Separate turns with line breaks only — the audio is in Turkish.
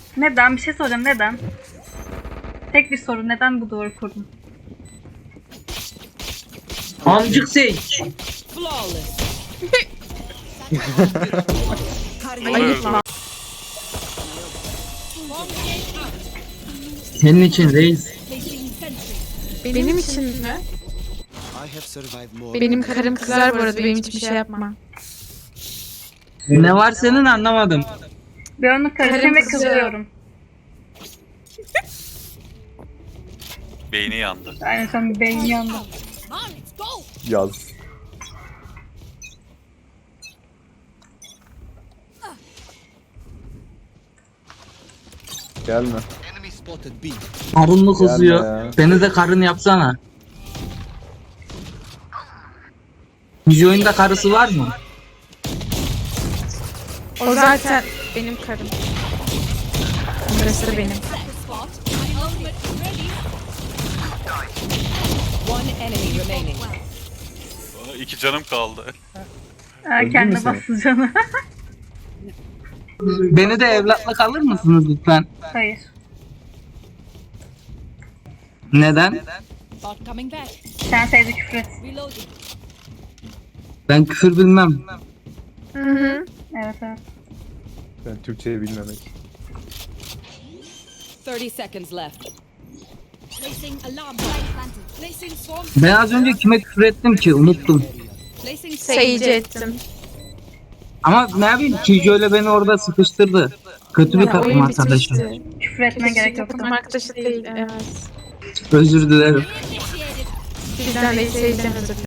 Neden? Bir şey soracağım. Neden? Tek bir soru. Neden bu duvarı kurdun?
Amcık Sage.
Ayıp.
Senin için reis.
Benim için mi? Benim karım kızar bu arada, benim için bir şey yapma.
Ne var senin anlamadım.
Ben onu karışım ve kızıyorum.
Beyni yandı.
Aynen sen beyni yandı.
Yaz. Gelme.
Karın mı kızıyor?
Gelme ya.
Beni de karın yapsana. Yüce oyunda karısı var mı?
O zaten benim karım. Burası da benim.
One enemy remaining.
Aa, 2 canım kaldı.
Kendine
sen?
bastı canı.
Beni de evlatlık alır mısınız lütfen?
Hayır.
Neden?
Bot coming back.
Sen sevdi küfür et.
Reloading.
Ben küfür bilmem.
Hı hı.
Evet evet.
Ben Türkçeyi bilmemek.
30 seconds left. Placing alarm. Placing swarm.
Ben az önce kime küfür ettim ki unuttum.
Placing
Sage ettim.
Ama ne yapayım Kijo ile beni orada sıkıştırdı. Kötü bir
Ya,
takım
oyun
arkadaşım.
bitmişti.
Küfür etmeye gerek yoktu.
Takım arkadaşı değil, evet.
Özür dilerim.
Bizden de Sage'den özür dilerim.